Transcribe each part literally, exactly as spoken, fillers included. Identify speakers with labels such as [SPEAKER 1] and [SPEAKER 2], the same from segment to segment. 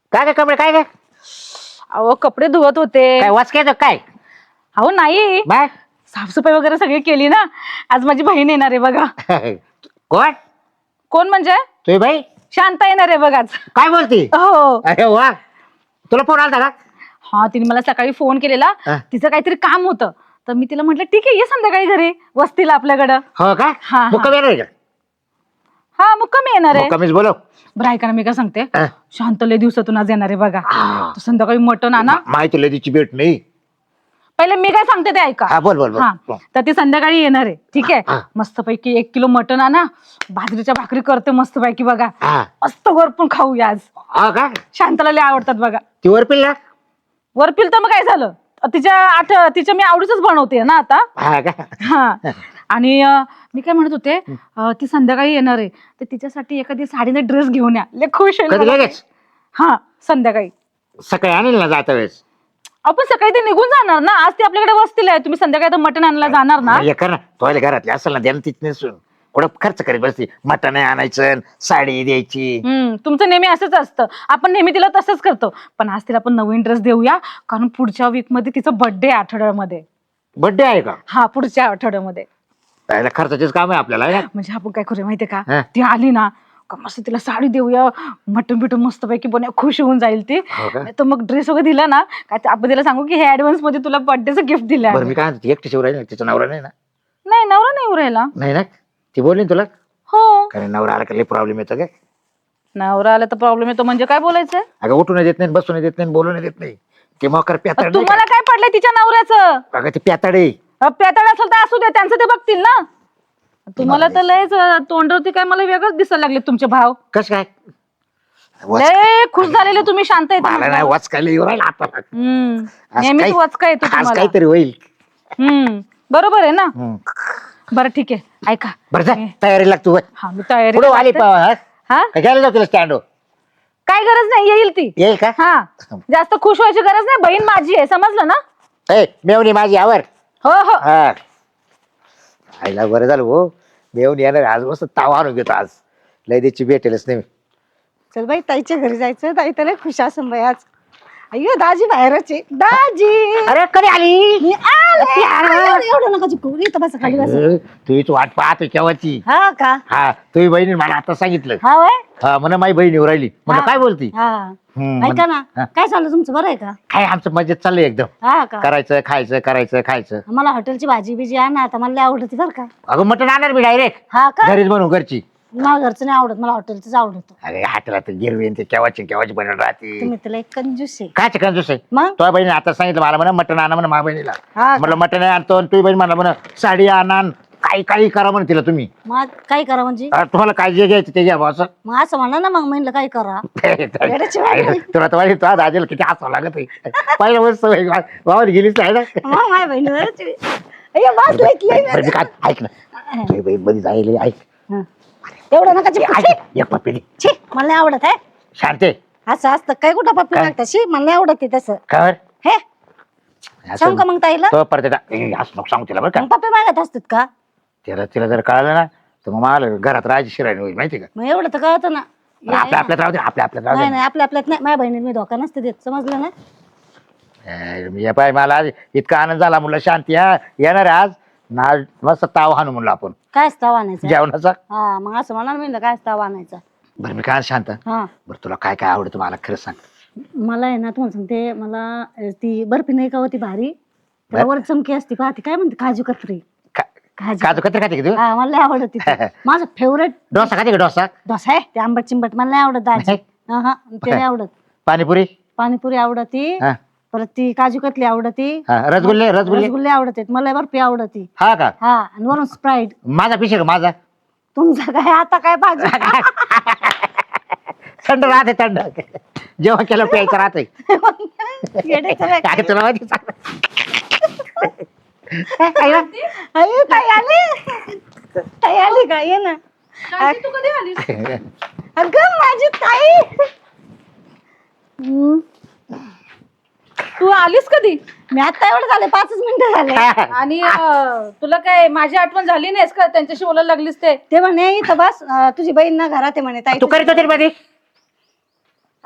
[SPEAKER 1] काय काय कपडे काय काय
[SPEAKER 2] अहो कपडे धुवत होते.
[SPEAKER 1] काय वाचकायचं काय
[SPEAKER 2] अहो नाही,
[SPEAKER 1] बाय
[SPEAKER 2] साफसफाई वगैरे सगळी केली ना. आज माझी बहीण येणार आहे बघा.
[SPEAKER 1] कोण
[SPEAKER 2] कोण म्हणजे?
[SPEAKER 1] तुझी बाई
[SPEAKER 2] शांता येणार आहे बघा आज.
[SPEAKER 1] काय बोलती?
[SPEAKER 2] हो.
[SPEAKER 1] अरे वा, तुला फोन आलता का?
[SPEAKER 2] हा, तिने मला सकाळी फोन केलेला.
[SPEAKER 1] हा.
[SPEAKER 2] तिचं काहीतरी काम होतं, तर मी तिला म्हटलं ठीक आहे ये संध्याकाळी घरी वस्तीला आपल्याकडं.
[SPEAKER 1] हो का?
[SPEAKER 2] हा, हा.
[SPEAKER 1] मुक्काम येणार आहे का?
[SPEAKER 2] हा मुक्कामी येणार आहे.
[SPEAKER 1] मुक्कामीच बोलव.
[SPEAKER 2] बरं ऐका ना, मी काय सांगते,
[SPEAKER 1] हा.
[SPEAKER 2] शांत लय दिवसातून आज येणार आहे बघा. तर संध्याकाळी मटण आणा.
[SPEAKER 1] माहिती लदीची भेट नाही.
[SPEAKER 2] पहिले मी काय सांगते ते ऐका.
[SPEAKER 1] हा बोल बोल बोल.
[SPEAKER 2] हा, तर ती संध्याकाळी येणार आहे, ठीक आहे.
[SPEAKER 1] हा.
[SPEAKER 2] मस्तपैकी एक किलो मटण आणा, बाजरीच्या भाकरी करते मस्तपैकी बघा.
[SPEAKER 1] हा
[SPEAKER 2] मस्त वरपून खाऊया आज.
[SPEAKER 1] हा का?
[SPEAKER 2] शांताला लय आवडतात बघा.
[SPEAKER 1] ती वरपिल ना?
[SPEAKER 2] वरपील तर मग काय झालं, तिच्या आठ तिच्या मी आवडीच बनवते ना आता.
[SPEAKER 1] हा का?
[SPEAKER 2] हा, आणि अं, मी काय म्हणत होते, अं, ती संध्याकाळी येणार आहे, तर तिच्यासाठी एखादी साडीने ड्रेस घेऊन या, लय खुश होईल
[SPEAKER 1] कधी
[SPEAKER 2] बघा.
[SPEAKER 1] लगेच?
[SPEAKER 2] हा संध्याकाळी.
[SPEAKER 1] सकाळी आणेल ना जाता वेळेस.
[SPEAKER 2] आपण सकाळी ते निघून जाणार ना, आज ती आपल्याकडे वस्तीला आहे. तुम्ही संध्याकाळी तर मटण आणायला जाणार ना.
[SPEAKER 1] हे कर ना, तुला घरातली असेल ना द्यायला तिथे नसून कुठं खर्च करीत बसती. मटण आणायचं, साडी द्यायची.
[SPEAKER 2] हम्म, तुमचं नेहमी असंच असतं. आपण नेहमी तिला तसंच करतो, पण आज तिला आपण नवीन ड्रेस देऊया, कारण पुढच्या वीक मध्ये तिचा बर्थडे आठवड्यामध्ये.
[SPEAKER 1] बर्थडे आहे का?
[SPEAKER 2] हा, पुढच्या आठवड्यामध्ये.
[SPEAKER 1] त्याला खर्चाचेच काम आहे आपल्याला, है ना?
[SPEAKER 2] म्हणजे आपण काय करूया माहितीये
[SPEAKER 1] हा.
[SPEAKER 2] का, ती आली ना का मस्त तिला साडी देऊया, मटण बिटन मस्त पैकी बनवूया, खुश होऊन जाईल ती.
[SPEAKER 1] हो का?
[SPEAKER 2] तर मग ड्रेस वगैरे दिला ना काय ते आपण तिला सांगू की हे ऍडव्हान्स मध्ये तुला बर्थडेचं गिफ्ट दिलं
[SPEAKER 1] बरं
[SPEAKER 2] आहे.
[SPEAKER 1] मी काय म्हणते, एकटी शिव राहील तिचा नवरा नाही ना?
[SPEAKER 2] नाही, नवरा नाही उरायला.
[SPEAKER 1] नाही ना? ती बोलली ना तुला?
[SPEAKER 2] हो,
[SPEAKER 1] कारण नवरा आला का प्रॉब्लेम येतो काय?
[SPEAKER 2] नवरा आला तर प्रॉब्लेम येतो म्हणजे काय बोलायचंय?
[SPEAKER 1] अगं उठून देत नाही, बसून देत नाही, बोलून देत नाही. ते मकर प्याताड.
[SPEAKER 2] तुम्हाला काय पडलंय तिच्या नवऱ्याचं?
[SPEAKER 1] अगं ते प्याताडे.
[SPEAKER 2] पेताड असेल तर असू दे, त्यांचं ते बघतील ना. तुम्हाला तर लयच तोंडावरती काय मला वेगळंच दिसायला लागले तुमचे भाव.
[SPEAKER 1] कस काय?
[SPEAKER 2] लय खुश झालेले तुम्ही, शांत येत.
[SPEAKER 1] मला नाही वाचकायला येऊ राहिला आता.
[SPEAKER 2] हम्म,
[SPEAKER 1] आज
[SPEAKER 2] नेहमीच
[SPEAKER 1] काय-
[SPEAKER 2] वचका येतो
[SPEAKER 1] आज
[SPEAKER 2] तुम्हाला.
[SPEAKER 1] काहीतरी होईल.
[SPEAKER 2] हम्म, बरोबर आहे ना.
[SPEAKER 1] हम्म.
[SPEAKER 2] बरं ठीक आहे, ऐका.
[SPEAKER 1] बरं जा, तयारी लागतो.
[SPEAKER 2] हा, मी तयारी
[SPEAKER 1] पुढे आली
[SPEAKER 2] करते.
[SPEAKER 1] पावा.
[SPEAKER 2] हा,
[SPEAKER 1] काय घ्यायला जाऊ तिला स्टँड
[SPEAKER 2] काय गरज नाही, येईल ती.
[SPEAKER 1] येईल का?
[SPEAKER 2] हा, जास्त खुश व्हायची गरज नाही, बहीण माझी आहे, समजलं ना.
[SPEAKER 1] ए मेवणी माझी आवर.
[SPEAKER 2] हो हो.
[SPEAKER 1] हा आईला बरं झालं हो, मेवणी येणार आज. मस्त तावा आणून घेतो आज. लय त्याची भेटेलच नाही.
[SPEAKER 3] चल बाई ताईच्या घरी जायचं. ताई तर लय खुश असन बाई आज. अय्यो दाजी बाहेरच आहे. दाजी
[SPEAKER 1] अरे कधी आली?
[SPEAKER 3] मी आले. एवढं एवढं नका चिपकू. इथं बसा, खाली बसा.
[SPEAKER 1] तुझी वाट पाहतो केव्हाची.
[SPEAKER 3] हा का?
[SPEAKER 1] हा तुझी बहिणी मला आता सांगितलं.
[SPEAKER 3] हा वय.
[SPEAKER 1] हा म्हणा माझी बहीण येऊ राहिली. म्हणलं
[SPEAKER 3] हा.
[SPEAKER 1] काय बोलती?
[SPEAKER 3] हा,
[SPEAKER 1] हम्म,
[SPEAKER 3] ऐका ना,
[SPEAKER 1] हा.
[SPEAKER 3] काय चाललं तुमचं, बरं आहे का?
[SPEAKER 1] काय आमचं मजेत चाललंय एकदम.
[SPEAKER 3] हा का?
[SPEAKER 1] करायचं खायचं करायचं खायचं.
[SPEAKER 3] मला हॉटेलची भाजी बिजी आणा आता, मला लय आवडते बरं का.
[SPEAKER 1] अगं मटण आणणार मी डायरेक्ट
[SPEAKER 3] हा का?
[SPEAKER 1] घरीच बनवू घरची.
[SPEAKER 3] मला घरचं नाही आवडत, मला हॉटेलचंच आवडतं.
[SPEAKER 1] अरे हाटेला गिरवी ते केव्हाची केव्हाची बनवून राहते.
[SPEAKER 3] तुम्ही तर लय कंजूस आहे.
[SPEAKER 1] काय चिकन दुसरे
[SPEAKER 3] मग
[SPEAKER 1] तुझ्या बहिणी आता सांगितलं मला म्हणा मटण आणा म्हणा माझ्या बहिणीला.
[SPEAKER 3] हा का?
[SPEAKER 1] म्हटलं मटण आणतो आणि तुझी बहीण म्हणा म्हणा साडी आणा काही काही करा म्हणून तिला तुम्ही.
[SPEAKER 3] मग काय करा म्हणजे?
[SPEAKER 1] अं, तुम्हाला काय जे घ्यायचं ते घ्या बा असं.
[SPEAKER 3] मग असं म्हणा ना, मग म्हणलं काय करा. येड्याची बाई.
[SPEAKER 1] आई, तुला तर माहिती तुझ्या दाजीला किती हसावं लागत आहे. पहिल्या वर्ष वावर गेलीच नाही ना.
[SPEAKER 3] मग माझ्या बहिणी बरंच आहे. अय्यो, बस लय की
[SPEAKER 1] बरं, मी काय ऐक ना तुझी बहीण बरी जाईल ऐक.
[SPEAKER 3] हा. एवढं नका चिपकू. छी,
[SPEAKER 1] ऐक, एक पप्पी दे.
[SPEAKER 3] छी, मला नाही आवडत आहे.
[SPEAKER 1] शांते
[SPEAKER 3] असं असतं काय, कुठं पप्पी
[SPEAKER 1] काय?
[SPEAKER 3] लागतं? शी, मला नाही आवडत ते तसं.
[SPEAKER 1] खबर
[SPEAKER 3] हे सांग का मग ताईला?
[SPEAKER 1] तो परत एकदा- ए, असं नको सांगू तिला बरं का.
[SPEAKER 3] मग पप्पी मागत असतात का?
[SPEAKER 1] तिला तिला जर कळालं ना तर मग मला घरात राहायची शिरायला होईल माहिती का.
[SPEAKER 3] मग एवढं तर कळतं ना.
[SPEAKER 1] पण आपल्या आपल्यात राहू दे आपल्या आपल्यात राहू
[SPEAKER 3] नाही
[SPEAKER 1] दे.
[SPEAKER 3] नाही, आपल्या आपल्यात नाही. माझ्या बहिणीला मी धोका नसते देत, समजलं ना.
[SPEAKER 1] ए, मी पाय मला आज इतका आनंद झाला म्हणलं शांती हा येणार आहे आज ना मस्त ताव हाणू म्हणलं आपण
[SPEAKER 3] काय स्ताव आणायचा?
[SPEAKER 1] जेवणाचा.
[SPEAKER 3] हा, मग असं म्हणा मी काय स्ताव आणायचा.
[SPEAKER 1] बरं मी काय शांत
[SPEAKER 3] हा,
[SPEAKER 1] बरं तुला काय काय आवडतं मला खरं सांग.
[SPEAKER 3] मला आहे ना, तुम्हाला सांगते, मला अं, ती बर्फी नाही का होती भारी, त्याला वर चमकी असते पहा, ती काय म्हणते, काजू कतरी.
[SPEAKER 1] का-
[SPEAKER 3] काजू
[SPEAKER 1] काजू कत्री खाते का तू?
[SPEAKER 3] हा, मला लय आवडत ती. माझं फेवरेट
[SPEAKER 1] डोसा खाते का डोसा?
[SPEAKER 3] डोसा आहे ते, आंबट चिंबट मला नाही आवडत दाजी.
[SPEAKER 1] नाही?
[SPEAKER 3] हा हा, ते नाही आवडत.
[SPEAKER 1] पाणीपुरी?
[SPEAKER 3] पाणीपुरी आवडती,
[SPEAKER 1] हा
[SPEAKER 3] परत ती काजू कतली आवडती,
[SPEAKER 1] हा, रसगुल्ले रसगुल्ले
[SPEAKER 3] रसगुल्ले आवडते, मला बर्फी आवडती.
[SPEAKER 1] हा का?
[SPEAKER 3] हा, आणि वरून स्प्राईट.
[SPEAKER 1] माझा पिशे का माझा?
[SPEAKER 3] तुमचं काय आता काय पाहिजे?
[SPEAKER 1] थंड राहते थंड जेव्हा केलं प्यायचं राहते.
[SPEAKER 3] येड्याचं काय?
[SPEAKER 1] काय तुला माहिती सांग.
[SPEAKER 3] अरे, ताई आली, ताई आली का? ये ना.
[SPEAKER 2] शांती, तू कधी आलीस?
[SPEAKER 3] अगं माझी ताई. हम्म,
[SPEAKER 2] तू आलीस कधी?
[SPEAKER 3] मी आता एवढं झाले, पाचच मिनिटं झाले.
[SPEAKER 2] आणि अं, तुला काय माझी आठवण झाली नाहीस का? त्यांच्याशी बोलायला लागलीस ते.
[SPEAKER 3] ते म्हणे इथं बस, अं, तुझी बहीण ना घरात आहे म्हणे ताई.
[SPEAKER 1] तू करीत होती मध्ये?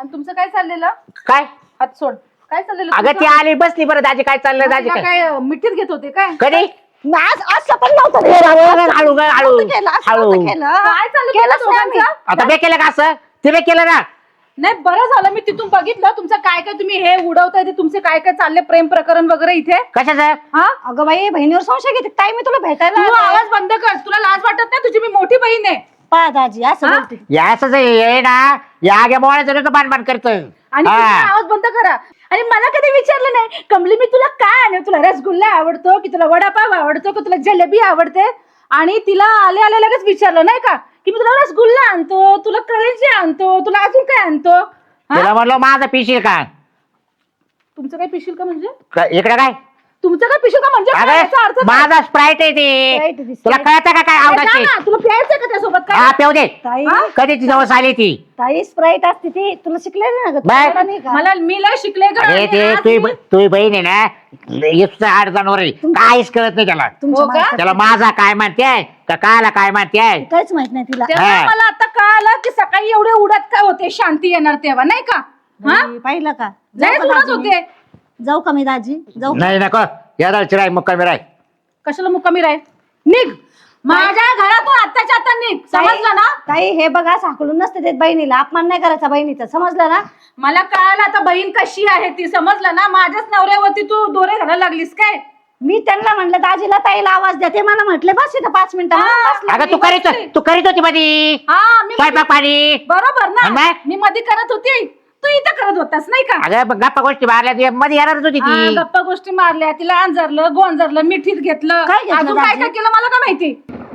[SPEAKER 2] आणि तुमचं काय चाललेलं?
[SPEAKER 4] काय
[SPEAKER 2] हात सोड. काय चाललेलं
[SPEAKER 4] अगं ती
[SPEAKER 2] तुमचं?
[SPEAKER 4] आली बसली बरं दाजी काय चाललं दाजी
[SPEAKER 2] तिला
[SPEAKER 4] काय
[SPEAKER 2] काय मिठीत घेत होते काय?
[SPEAKER 4] कधी
[SPEAKER 3] आज असं पण नव्हतं
[SPEAKER 4] ए,
[SPEAKER 3] केलं.
[SPEAKER 4] हळू हळू ग, हळू
[SPEAKER 3] नव्हतं केलं, असं
[SPEAKER 4] हळू
[SPEAKER 3] नव्हतं केलं.
[SPEAKER 2] काय चाललं
[SPEAKER 3] केलंच
[SPEAKER 2] तुमच्या
[SPEAKER 3] नाही आम्ही.
[SPEAKER 2] दोघांचं?
[SPEAKER 4] आता बे केलं का असं तिने केलं ना
[SPEAKER 2] नाही बरं झालं मी तिथून बघितलं तुमचं काय काय तुम्ही हे उडवताय ते तुमचे काय काय चालले प्रेम प्रकरण वगैरे इथे.
[SPEAKER 4] कशाचं
[SPEAKER 2] हा
[SPEAKER 3] अगं बाई बहिणीवर संशय घेते काय? मी तुला भेटायला
[SPEAKER 2] तू
[SPEAKER 3] आले.
[SPEAKER 2] आवाज बंद कर. तुला लाज वाटत नाही? तुझी मी मोठी बहीण आहे.
[SPEAKER 3] पहा दाजी असं
[SPEAKER 2] हा?
[SPEAKER 3] बोलते.
[SPEAKER 4] या असंच आहे, ये ना या आगे मोळ्याचं बाण करत
[SPEAKER 2] आणि तुम्ही आवाज बंद करा. आणि मला कधी विचारलं नाही कमली मी तुला काय आणू? तुला रसगुल्ला आवडतो की तुला वडापाव आवडतो की तुला जलेबी आवडते? आणि तिला आले आले लगेच विचारलं नाही का की मी तुला रसगुल्ला आणतो, तुला करंजी आणतो, तुला अजून काय आणतो? हा?
[SPEAKER 4] तिला म्हणलं माझं पिशील का
[SPEAKER 2] तुमचं काय पिशील का म्हणजे?
[SPEAKER 4] क- इकडे काय
[SPEAKER 2] तुमचं काय पिशील का म्हणजे काय?
[SPEAKER 4] अरे
[SPEAKER 2] याचा अर्थ काय?
[SPEAKER 4] माझा स्प्राईट आहे
[SPEAKER 3] Sprite आहे
[SPEAKER 4] ते
[SPEAKER 3] ती,
[SPEAKER 4] तुला
[SPEAKER 3] Sprite.
[SPEAKER 4] कळतं का काय
[SPEAKER 2] काय
[SPEAKER 4] आवडायची
[SPEAKER 2] जा ना, तुला प्यायचं का त्यासोबत
[SPEAKER 4] हा
[SPEAKER 2] काय?
[SPEAKER 4] पेव दे
[SPEAKER 3] ताई
[SPEAKER 2] हा?
[SPEAKER 4] कधी ती जवळ आली ती
[SPEAKER 3] ताई स्प्राईट असते ती तुला शिकलेली ना ग?
[SPEAKER 4] बाय.
[SPEAKER 3] तुला नाही का?
[SPEAKER 2] मला मी लय शिकले ग.
[SPEAKER 4] अरे
[SPEAKER 2] आणि
[SPEAKER 4] ते
[SPEAKER 2] आज
[SPEAKER 4] तुझी
[SPEAKER 2] मी-
[SPEAKER 4] तुझी बहीण आहे ना इथचं आड जनावर आहे काहीच कळत नाही त्याला
[SPEAKER 3] तुमच्या
[SPEAKER 2] हो का?
[SPEAKER 3] मार्फत.
[SPEAKER 4] त्याला माझा काय मानतेय का काला काय मानतेय
[SPEAKER 3] काहीच माहित नाही तिला.
[SPEAKER 2] तेव्हा
[SPEAKER 4] हा.
[SPEAKER 2] मला आता कळालं की सकाळी एवढे उडत काय होते शांती येणार तेव्हा नाही का? हा
[SPEAKER 3] बाई, पाहिलं का? जाऊ
[SPEAKER 2] लयच
[SPEAKER 3] का
[SPEAKER 2] उडत
[SPEAKER 3] दाजी मी?
[SPEAKER 2] होते.
[SPEAKER 3] जाऊ का मी दाजी? जाऊ का?
[SPEAKER 4] नाही नको या दालची राय मुक्कामी राय
[SPEAKER 2] कशाला मुक्कामी राहील? निघ माझ्या घरातून आत्ताच्या आता निघ. समजलं ना?
[SPEAKER 3] ताई हे बघा साकळून नसते देत बहिणीला. अपमान नाही करायचा बहिणीचा. समजलं ना?
[SPEAKER 2] मला कळालं आता बहीण कशी आहे ती. समजलं ना? माझ्याच नवऱ्यावरती तू दोरे घालायला लागलीस काय?
[SPEAKER 3] मी त्यांना म्हणलं दाजीला ताईला आवाज द्या. ते मला म्हटले बस इथं पाच मिनिटं.
[SPEAKER 2] हा.
[SPEAKER 3] म्हणून बसले.
[SPEAKER 4] अगं तू
[SPEAKER 2] मी
[SPEAKER 4] करीत
[SPEAKER 2] बसली.
[SPEAKER 4] तू करीत होती मध्ये
[SPEAKER 2] हा मी
[SPEAKER 4] स्वयंपाक पाणी
[SPEAKER 2] बरोबर
[SPEAKER 4] आणि
[SPEAKER 2] ना?
[SPEAKER 4] मग?
[SPEAKER 2] मी मध्ये करत होती, तू इथं करत होतास नाही का?
[SPEAKER 4] अगं मग गप्पा गोष्टी मारल्या ती मध्ये येणारच होती
[SPEAKER 2] हा,
[SPEAKER 4] ती
[SPEAKER 2] गप्पा गोष्टी मारल्या, तिला अंजारलं गोंजारलं मिठीत घेतलं.
[SPEAKER 3] काय घेतलं
[SPEAKER 2] अजून काय
[SPEAKER 3] दाजी?
[SPEAKER 2] काय केलं मला काय माहिती?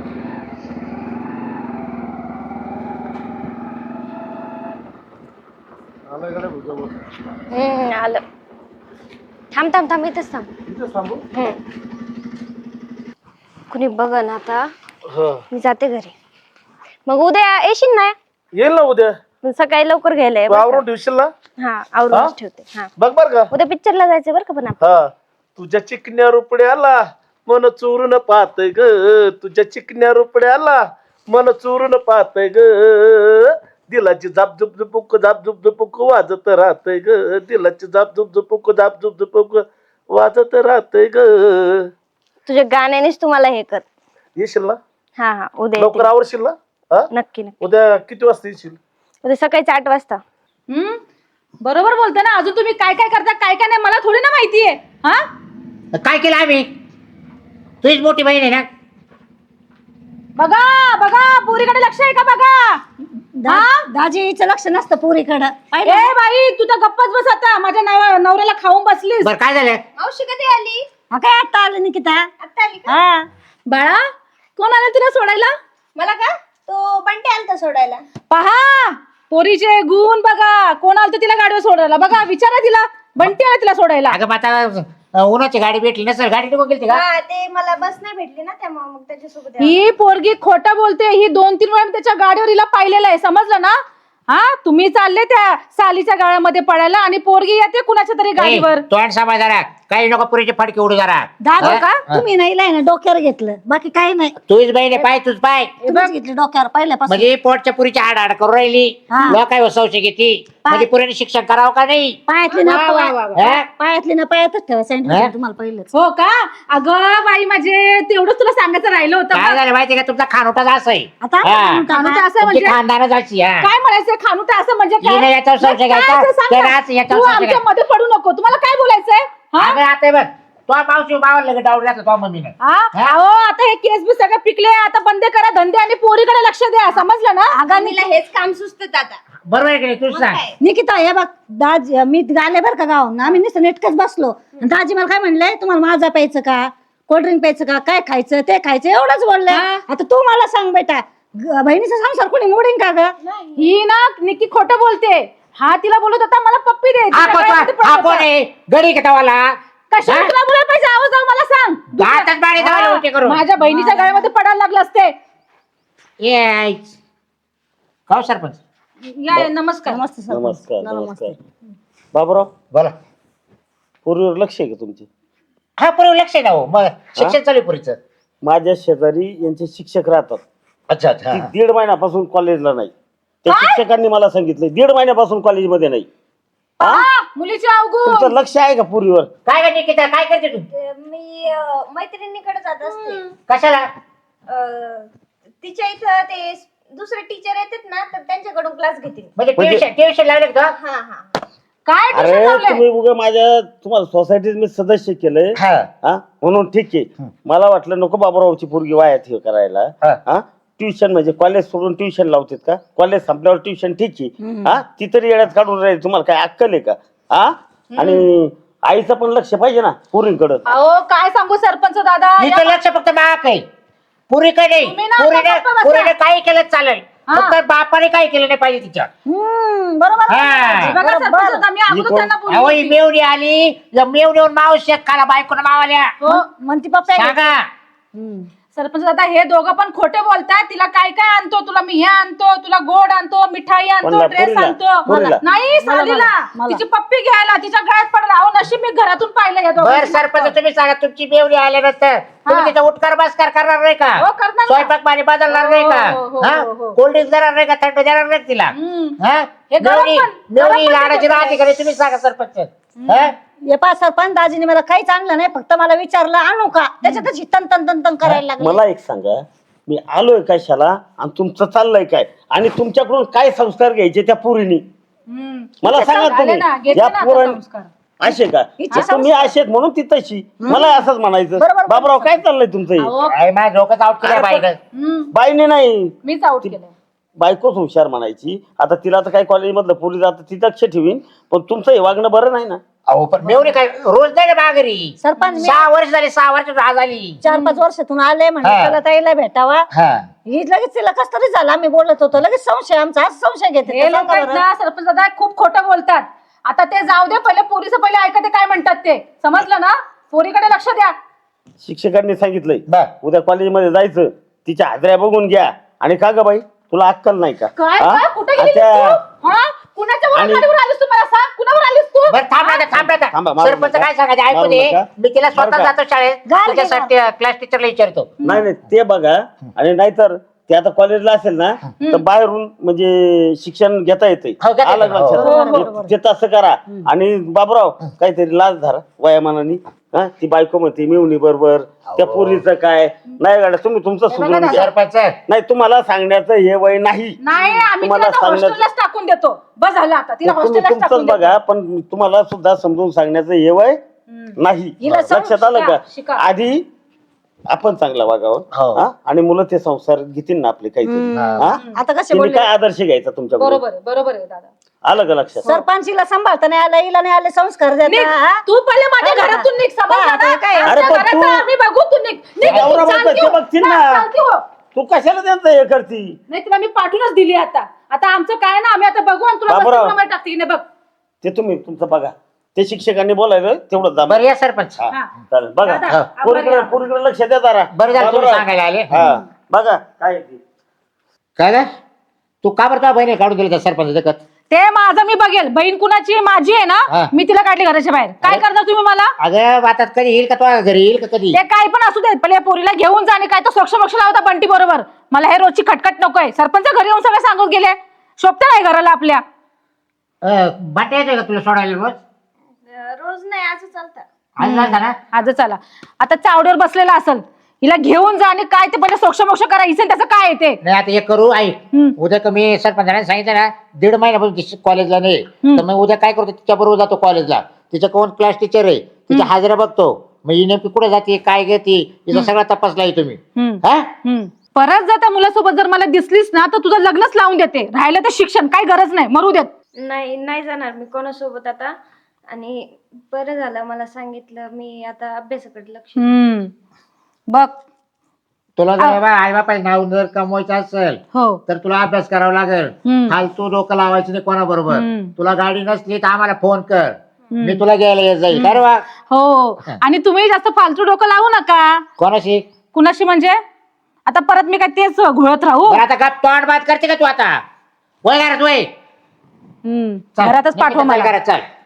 [SPEAKER 5] हम्म आलं. थांब थांब थांब इथंच थांब. हम्म. कुणी बघ ना आता मी जाते घरी. मग उद्या येशील ना?
[SPEAKER 6] येईल ना उद्या
[SPEAKER 5] मग सकाळी लवकर घ्यायला ये
[SPEAKER 6] तू
[SPEAKER 5] बरं का?
[SPEAKER 6] आवरून ठेवशील ना
[SPEAKER 5] हा
[SPEAKER 6] हा?
[SPEAKER 5] आवरूनच ठेवते. हा
[SPEAKER 6] बघ बर का
[SPEAKER 5] उद्या पिक्चरला जायचं बरं का पण आपण.
[SPEAKER 6] हा तुझ्या चिकन्या रुपड्याला मन चोरून पाहतय ग तुझ्या चिकन्या रुपड्याला मन चोरून पाहतय ग दिलाची झाप झुप झुपुक झाप झुप झुपुक वाजत राहतय ग दिलाची झाप झुप झुपुक झाप झुप झुपुक वाजत राहतय ग.
[SPEAKER 5] तुझ्या गाण्यानेच तुम्हाला हे कर.
[SPEAKER 6] येशील ना
[SPEAKER 5] हा हा उद्या
[SPEAKER 6] लवकर
[SPEAKER 5] येते.
[SPEAKER 6] आवरशील ना हा
[SPEAKER 5] नक्की नक्की.
[SPEAKER 6] उद्या किती वाजता येशील?
[SPEAKER 5] उद्या सकाळी आठ वाजता.
[SPEAKER 2] हम्म बरोबर बोलते ना. अजून तुम्ही काय काय करता काय काय नाही मला थोडी ना माहितीये. हा
[SPEAKER 4] काय केलं आम्ही तुझीच मोठी बहीण आहे ना
[SPEAKER 2] बघा बघा पोरीकडे लक्ष आहे का बघा?
[SPEAKER 3] दा- दाजीचं लक्ष नसतं पोरीकडं. पाहिलं?
[SPEAKER 2] ए बाई तू तर गप्पच बस आता. माझ्या नव- नवऱ्याला खाऊन बसलीस.
[SPEAKER 4] बरं काय झालं
[SPEAKER 5] मावशी कधी आली?
[SPEAKER 3] हा काय आता आलं निकिता?
[SPEAKER 5] आता आली का?
[SPEAKER 3] हा
[SPEAKER 2] बाळा कोण आलं तिला सोडायला?
[SPEAKER 5] मला का? तो बंटे आलता सोडायला.
[SPEAKER 2] पहा पोरीचे गुण बघा. कोण आलं तिला गाडीवर सोडायला बघा. विचारा तिला. बंटी आला तिला सोडायला.
[SPEAKER 4] अगं मग आता अं, उन्हाची गाडी भेटली नसेल गाडी निघून गेली का
[SPEAKER 5] हा ते मला बस नाही भेटली ना त्यामुळे मग त्याच्यासोबत यावं.
[SPEAKER 2] ही पोरगी खोटं बोलते. ही दोन तीन वेळा मी त्याच्या गाडीवर हिला पाहिलेलं आहे. समजलं ना? हा तुम्ही चालले त्या सालीच्या गाळ्यामध्ये पडायला आणि पोरगी येते कुणाच्या तरी गाडीवर.
[SPEAKER 4] ए, तोंड सांभाळ जरा काही नको पुरीचे फडके उडू जरा
[SPEAKER 3] दाजी
[SPEAKER 4] हा?
[SPEAKER 3] का तुम्ही नाही ना डोक्यावर घेतलं बाकी काही नाही.
[SPEAKER 4] तुझीच बहीण आहे पाय तुझ पाय
[SPEAKER 3] तुम्हीच घेतली डोक्यावर पहिल्यापासून.
[SPEAKER 4] म्हणजे पोटच्या पुरीची आड आड करून राहिली
[SPEAKER 3] हा.
[SPEAKER 4] लोकांवर संशय घेती म्हणजे पुरीने शिक्षण करावं का नाही
[SPEAKER 3] पायातली ना
[SPEAKER 2] वा, वा, वा, वा.
[SPEAKER 4] हा?
[SPEAKER 3] पायातली ना पायातच ठेवा सांगितलं
[SPEAKER 4] हा?
[SPEAKER 3] होतं तुम्हाला पहिलंच.
[SPEAKER 2] हो का? अगं बाई माझे तेवढंच तुला सांगायचं राहिलं होतं
[SPEAKER 4] काय
[SPEAKER 2] बघ.
[SPEAKER 4] झालं माहिती का तुमचा खानोटाच असं आहे
[SPEAKER 3] आता
[SPEAKER 4] हा.
[SPEAKER 3] आपण
[SPEAKER 2] खानुटं
[SPEAKER 3] का?
[SPEAKER 2] असं
[SPEAKER 4] तुमची
[SPEAKER 2] म्हणजे
[SPEAKER 4] खानदानच अशी हा
[SPEAKER 2] काय म्हणायचं? खानुटं असं म्हणजे काय?
[SPEAKER 4] हिने याच्यावर संशय
[SPEAKER 2] काय
[SPEAKER 4] घ्यायचा,
[SPEAKER 2] असं सांग
[SPEAKER 4] त्याने
[SPEAKER 2] ना.
[SPEAKER 4] असं याच्यावर
[SPEAKER 2] तू
[SPEAKER 4] संशय
[SPEAKER 2] आमच्या
[SPEAKER 4] घ्यायचा.
[SPEAKER 2] मध्ये पडू नको. तुम्हाला काय बोलायचंय? हा?
[SPEAKER 4] अगं आता बघ तो मावशी बावल लगेच डाऊन जातो तो मम्मीने
[SPEAKER 2] हा?
[SPEAKER 4] हा?
[SPEAKER 2] अहो आता हे केस बी सगळे पिकले. आता बंद करा धंदे आणि पोरीकडे लक्ष द्या. समजलं ना?
[SPEAKER 3] अगं मी
[SPEAKER 5] हेच काम सुचत आता.
[SPEAKER 4] बरोबर आहे की नाही तूच सांग
[SPEAKER 3] निकिता हे बघ दाजी मी आले बरं का गावाहून. आम्ही नुसतं नेटकच बसलो. आणि दाजी मला काय म्हणलंय तुम्हाला माझा प्यायचं का कोल्ड्रिंक प्यायचं का काय खायचं ते खायचं एवढंच बोलले.
[SPEAKER 2] हा.
[SPEAKER 3] आता तू मला सांग बेटा ग- बहिणीचा संसार कोणी मोडीन का ग?
[SPEAKER 2] ही ना निक्की खोटं बोलते. हा तिला बोलत होता मला पप्पी दे.
[SPEAKER 4] हा
[SPEAKER 2] तिच्या
[SPEAKER 4] कोण
[SPEAKER 2] गळ्यामध्ये पडत
[SPEAKER 4] हा
[SPEAKER 2] होता.
[SPEAKER 4] कोण आहे गडी कटावाला
[SPEAKER 2] कशाला
[SPEAKER 4] हा?
[SPEAKER 2] तुला बोलायला पाहिजे? आवाज जाऊ मला सांग.
[SPEAKER 4] गातच बाळी जावाला
[SPEAKER 2] हा,
[SPEAKER 4] उलटी करून.
[SPEAKER 2] माझ्या बहिणीच्या गळ्यामध्ये पडायला लागले असते.
[SPEAKER 4] ये का हो सरपंच
[SPEAKER 2] या या, नमस्कार.
[SPEAKER 3] नमस्ते सर.
[SPEAKER 6] नमस्कार नमस्कार बाबूराव
[SPEAKER 4] बोला
[SPEAKER 6] पूर्वीवर लक्ष आहे का तुमचे?
[SPEAKER 4] हा पुरे लक्ष आहे ना हो मग शिक्षण चालू आहे पुरीचं
[SPEAKER 6] माझ्या शेजारी यांचे शिक्षक राहतात.
[SPEAKER 4] अच्छा अच्छा
[SPEAKER 6] ती दीड महिन्यापासून कॉलेजला नाही त्या शिक्षकांनी मला सांगितलं दीड महिन्यापासून कॉलेजमध्ये नाही.
[SPEAKER 2] आ, मुलीची अवगुण.
[SPEAKER 6] तुमचं लक्ष आहे का पुरीवर?
[SPEAKER 4] काय करते निकिता, काय करते तू?
[SPEAKER 5] मी अं, मैत्रिणीकडे जात असते.
[SPEAKER 4] कशाला?
[SPEAKER 5] अं, तिच्या इथं ते दुसरे टीचर येतात ना तर त्यांच्याकडून क्लास घेते.
[SPEAKER 4] म्हणजे
[SPEAKER 6] म्हणजे-
[SPEAKER 4] ट्युशन ट्युशन लावले का?
[SPEAKER 5] हा हा
[SPEAKER 2] काय
[SPEAKER 6] अरे
[SPEAKER 2] tuition लावलंय?
[SPEAKER 6] तुम्ही उगा माझ्या तुम्हाला सोसायटीत मी सदस्य केलंय
[SPEAKER 1] हा.
[SPEAKER 6] हा म्हणून ठीक आहे. मला वाटलं नको बाबूरावची पोरगी वायात हे करायला.
[SPEAKER 1] हा.
[SPEAKER 6] हा ट्युशन म्हणजे कॉलेज सोडून ट्युशन लावतात का? कॉलेज संपल्यावर ट्युशन ठीक आहे. हा ती तरी येड्यात काढून राहील. तुम्हाला काय अक्कल आहे का? हा आणि आईचं पण लक्ष पाहिजे ना पोरींकडं.
[SPEAKER 2] अहो काय सांगू सरपंच दादा
[SPEAKER 4] हिचं
[SPEAKER 2] या-
[SPEAKER 4] लक्ष फक्त बाप आहे, पुरी काय नाही.
[SPEAKER 2] तुम्ही ना
[SPEAKER 4] पुरीने
[SPEAKER 2] आता गप्प बसा.
[SPEAKER 4] पुरीने काही केलं चालेल,
[SPEAKER 2] हा.
[SPEAKER 4] फक्त बापाने काही केलं नाही पाहिजे तिच्या.
[SPEAKER 3] हम्म, बरोबर
[SPEAKER 4] हा.
[SPEAKER 3] आहे.
[SPEAKER 2] बघा सरपंच
[SPEAKER 3] बरोबर.
[SPEAKER 2] दादा, मी अगोदर
[SPEAKER 6] कोण?
[SPEAKER 2] त्यांना बोलली
[SPEAKER 4] अहो ही
[SPEAKER 2] होती.
[SPEAKER 4] मेवणी आली, या मेवणीवर माव शेक खाला बायकोनं मावाल्या.
[SPEAKER 2] हो.
[SPEAKER 3] म्हणती पप्पा
[SPEAKER 4] सांगा.
[SPEAKER 3] हम्म.
[SPEAKER 2] सरपंच दादा हे दोघं पण खोटे बोलतात. तिला काय काय आणतो, तुला मी हे आणतो, तुला गोड आणतो, मिठाई आणतो,
[SPEAKER 6] कोणाला?
[SPEAKER 2] ड्रेस
[SPEAKER 6] पोरीला?
[SPEAKER 2] आणतो.
[SPEAKER 6] पोरीला?
[SPEAKER 2] नाही
[SPEAKER 3] मला-
[SPEAKER 2] सालीला
[SPEAKER 3] मला.
[SPEAKER 2] तिची पप्पी घ्यायला तिच्या गळ्यात पडला. अहो नशीब मी घरातून पाहिलं या
[SPEAKER 4] बर
[SPEAKER 2] दोघांची
[SPEAKER 4] सरपंच
[SPEAKER 2] नाटकं.
[SPEAKER 4] तुम्ही सांगा, तुमची मेवणी आल्यानंतर तुम्ही
[SPEAKER 2] हा.
[SPEAKER 4] तिचा उठकार बसकार करणार नाही का?
[SPEAKER 2] हो, करणार ना.
[SPEAKER 4] स्वयंपाक पाणी बदलणार नाही का?
[SPEAKER 2] हो, हो,
[SPEAKER 4] हा?
[SPEAKER 2] हो, हो.
[SPEAKER 4] कोल्ड ड्रिंक देणार नाही का? थंड देणार नाही तिला?
[SPEAKER 2] हम्म.
[SPEAKER 4] हा?
[SPEAKER 2] हे गरम
[SPEAKER 4] मेवणी
[SPEAKER 2] पण-
[SPEAKER 4] मेवणी
[SPEAKER 2] गरम पण
[SPEAKER 4] लाडाची
[SPEAKER 2] देतात.
[SPEAKER 4] राहते का नाही तुम्ही सांगा सरपंच. हा?
[SPEAKER 3] हे पा सरपंच दाजीने मला काहीच आणलं नाही, फक्त मला विचारलं आणू का, त्याच्यातच ही तन तन तन तन करायला लागली.
[SPEAKER 6] मला एक सांगा, मी आलोय कशाला आणि तुमचं चाललंय काय आणि तुमच्याकडून काय संस्कार घ्यायचे त्या पोरीनी?
[SPEAKER 2] हम्म.
[SPEAKER 6] मला सांगा
[SPEAKER 2] झाले
[SPEAKER 6] तुम्ही.
[SPEAKER 2] ना, घेतले
[SPEAKER 6] या
[SPEAKER 2] ना आता
[SPEAKER 6] पोरांनी
[SPEAKER 2] संस्कार.
[SPEAKER 6] असे का?
[SPEAKER 3] हिचे
[SPEAKER 6] तुम्ही असेच म्हणून ती तशी. मला असंच म्हणायचं.
[SPEAKER 3] बरोबर.
[SPEAKER 6] बाबराव काय चाललंय तुमचं हे?
[SPEAKER 2] अहो,
[SPEAKER 4] काय माझ्या डोक्यात आउट केलं बाईनं.
[SPEAKER 2] हम्म.
[SPEAKER 6] बाईने नाही,
[SPEAKER 2] मीच आउट केलं.
[SPEAKER 6] बायकोच हुशार म्हणायची. आता तिला तर काही कॉलेजमधलं पोरी जातं ती लक्ष ठेवीन, पण तुमचं हे वागणं बरं नाही ना.
[SPEAKER 4] अहो पण मेवणी काय रोज नाही ना माघारी.
[SPEAKER 3] सरपंच मी
[SPEAKER 4] सहा वर्ष झाली, सहा वर्ष आज आली.
[SPEAKER 3] चार पाच वर्षातून आले म्हणजे
[SPEAKER 4] हा.
[SPEAKER 3] त्याला ताईला भेटावा.
[SPEAKER 4] हा.
[SPEAKER 3] ही लगेच तिला कस तरी झालं, आम्ही बोलत होतो लगेच संशय आमचा आज संशय घेते.
[SPEAKER 2] हे लोक आहेत ना सरपंच दादा खूप खोटं बोलतात. आता ते जाऊ दे, पहिले पोरीचं पहिले ऐका ते काय म्हणतात ते. समजलं ना? पोरीकडे लक्ष द्या.
[SPEAKER 6] शिक्षकांनी सांगितलंय
[SPEAKER 4] बर.
[SPEAKER 6] उद्या कॉलेजमध्ये जायचं, तिच्या हाजऱ्या बघून घ्या. आणि का ग बाई, तुला अक्कल नाही का?
[SPEAKER 2] काय
[SPEAKER 6] हा?
[SPEAKER 2] काय? कुठे गेली
[SPEAKER 6] अच्छा.
[SPEAKER 2] तू? हा? कुणाच्या वर
[SPEAKER 6] आणि-
[SPEAKER 2] गाडीवर आलीस तू? मला सांग, कुणावर आलीस तू?
[SPEAKER 4] बरं थांब आता, थांब
[SPEAKER 6] थांबा,
[SPEAKER 4] आता.
[SPEAKER 6] मारू
[SPEAKER 4] सरपंच
[SPEAKER 6] नका.
[SPEAKER 4] काय सांगायचं ऐकू
[SPEAKER 6] मारू
[SPEAKER 4] दे.
[SPEAKER 6] नका.
[SPEAKER 4] मी तिला
[SPEAKER 6] बरं
[SPEAKER 4] स्वतः
[SPEAKER 6] का?
[SPEAKER 4] जातो शाळेत,
[SPEAKER 3] घाल घे,
[SPEAKER 4] तुझ्यासाठी क्लास टीचरला विचारतो.
[SPEAKER 6] नाही नाही ते बघा. आणि नाहीतर ते आता कॉलेजला असेल ना तर बाहेरून म्हणजे शिक्षण घेता येते.
[SPEAKER 4] हो, घेता
[SPEAKER 6] आलं
[SPEAKER 4] येतं.
[SPEAKER 6] लक्षात?
[SPEAKER 2] हो, हो,
[SPEAKER 6] ते- ते तसं करा. आणि बाबराव काहीतरी लाज धरा वयामानाने. हा ती बायको म्हणते मिळवणी बरोबर, त्या पोरीचं काय नाही गाड्या, तुम्ही तुमचं सुधरून घ्या.
[SPEAKER 4] सरपंच
[SPEAKER 6] नाही तुम्हाला सांगण्याचं हे वय नाही.
[SPEAKER 2] नाही आम्ही
[SPEAKER 6] तुम्हाला
[SPEAKER 2] तिला
[SPEAKER 6] सांगण्याचं-
[SPEAKER 2] हॉस्टेललाच टाकून देतो. बस झालं आता, तिला
[SPEAKER 6] तुम्ही
[SPEAKER 2] हॉस्टेललाच
[SPEAKER 6] तुमचंच
[SPEAKER 2] टाकून
[SPEAKER 6] बघा,
[SPEAKER 2] देतो.
[SPEAKER 6] पण तुम्हाला सुद्धा समजून सांगण्याचं हे वय नाही.
[SPEAKER 3] हिला सांग,
[SPEAKER 6] लक्षात आलं
[SPEAKER 2] शिका,
[SPEAKER 6] का?
[SPEAKER 2] शिका.
[SPEAKER 6] आधी आपण चांगला वागावं.
[SPEAKER 4] हो.
[SPEAKER 6] हा? आणि मुलं ते संसार घेतील ना आपले काहीतरी. हा?
[SPEAKER 3] आता कसे
[SPEAKER 6] तिने
[SPEAKER 3] बोलले
[SPEAKER 6] काय आदर्श घ्यायचा तुमच्याकडून?
[SPEAKER 2] बरोबर आहे, बरोबर आहे दादा.
[SPEAKER 6] आलं का लक्षात?
[SPEAKER 3] सरपंचीला सांभाळता नाही आलं, हिला नाही आले संस्कार
[SPEAKER 2] निघ.
[SPEAKER 3] देता. हा?
[SPEAKER 2] तू पहिले माझ्या
[SPEAKER 3] हा,
[SPEAKER 2] घरातून निघ.
[SPEAKER 3] हा,
[SPEAKER 2] समजलं
[SPEAKER 3] आता
[SPEAKER 2] ना?
[SPEAKER 3] काय?
[SPEAKER 2] आमच्या
[SPEAKER 6] अरे पण
[SPEAKER 2] घराचं
[SPEAKER 6] तू-
[SPEAKER 2] आम्ही बघू. तू निघ. निघ.
[SPEAKER 6] नवरा बायको
[SPEAKER 2] चालती
[SPEAKER 6] ते
[SPEAKER 2] हो.
[SPEAKER 6] बघतील
[SPEAKER 2] हा,
[SPEAKER 6] ना.
[SPEAKER 2] चालती हो.
[SPEAKER 6] तू कशाला त्यांचं हे करती?
[SPEAKER 2] नाही तुला मी पाठवूनच दिली आता. आता आमचं काय ना, आम्ही आता बघू आणि तुला
[SPEAKER 6] बाबूराव.
[SPEAKER 2] बसतीप्रमाणे टाकते की नाही बघ.
[SPEAKER 6] ते तुम्ही तुमचं बघा. ते शिक्षकांनी बोलायलं तेवढं दाब.
[SPEAKER 4] बरं या सरपंच.
[SPEAKER 6] हा,
[SPEAKER 2] हा.
[SPEAKER 6] चालेल. बघा
[SPEAKER 2] दादा,
[SPEAKER 6] पोरीकडे
[SPEAKER 2] आभारी
[SPEAKER 6] पोरीकडे लक्ष द्या जरा.
[SPEAKER 4] बरं झालं तुम्ही
[SPEAKER 6] बाबूराव.
[SPEAKER 4] सांगायला आले.
[SPEAKER 6] हा बघा काय आहे ते.
[SPEAKER 4] काय रे? तू का बरं तुझ्या बहिणी काढून दिली त्या सरपंच देखत?
[SPEAKER 2] ते माझं मी बघेल. बहीण कुणाची माझी आहे
[SPEAKER 4] हा.
[SPEAKER 2] ना, मी तिला काढली घराच्या बाहेर. काय करणार तुम्ही मला?
[SPEAKER 4] अगं आता कधी येईल का तुझ्या घरी येईल का कधी?
[SPEAKER 2] ते काय पण असू देत, पहिले या पोरीला घेऊन जा आणि काय तो सोक्ष मोक्ष लावता बंटी बरोबर. मला हे रोजची खटखट नकोय. सरपंच घरी येऊन सगळं सांगून गेले. शोभत नाही घराला आपल्या.
[SPEAKER 4] बाटे येतोय का तुला सोडायला रोज?
[SPEAKER 5] रोज नाही असं चालतं.
[SPEAKER 4] आज झालता ना?
[SPEAKER 2] आज चला आता चावडीवर बसलेला असेल, हिला घेऊन जा आणि काय ते पहिले सोक्ष मोक्ष करा. हिचं त्याचं काय आहे ते.
[SPEAKER 4] नाही आता एक करू ऐक.
[SPEAKER 2] हम्म.
[SPEAKER 4] उद्या कमी सरपंचाने सांगितलं ना दीड महिन्यापासून कॉलेजला नाही, तर मग उद्या काय करतो तिच्या बरोबर जातो कॉलेजला. तिच्या कोण क्लास टीचर आहे, तिच्या हाजऱ्या बघतो. मग ही नेमकी कुठे जाते काय घेते तिचा सगळा तपासला तुम्ही.
[SPEAKER 2] हम्म.
[SPEAKER 4] हा
[SPEAKER 2] हम्म. परत जर त्या मुलासोबत जर मला दिसलीस ना तर तुझं लग्नच लावून देते. राहिलं तर शिक्षण काय गरज नाही, मरू देत.
[SPEAKER 5] नाही नाही जाणार मी कोणासोबत आता. आणि बरं झालं मला सांगितलं. मी आता अभ्यासाकडे लक्ष
[SPEAKER 2] हम्म. बघ
[SPEAKER 4] तुला जर आई बापाचं नाव जर कमवायचं असेल
[SPEAKER 2] हो
[SPEAKER 4] तर तुला अभ्यास करावा लागेल.
[SPEAKER 2] हम्म.
[SPEAKER 4] फालतू डोकं लावायचं नाही कोणाबरोबर.
[SPEAKER 2] हम्म.
[SPEAKER 4] तुला गाडी नसली तर आम्हाला फोन कर, मी तुला घ्यायला येत जाईल. बरं वा?
[SPEAKER 2] हो. आणि तुम्ही जास्त फालतू डोकं लावू नका.
[SPEAKER 4] कोणाशी?
[SPEAKER 2] कुणाशी म्हणजे? आता परत मी काय तेच घोळत राहू?
[SPEAKER 4] बरं आता गप तोंड बात करते का तू आता? वय घरात वय.
[SPEAKER 2] हम्म.
[SPEAKER 4] चल,
[SPEAKER 2] घरातच पाठवा
[SPEAKER 4] निकिता, चल
[SPEAKER 2] मला.
[SPEAKER 4] घरात चल.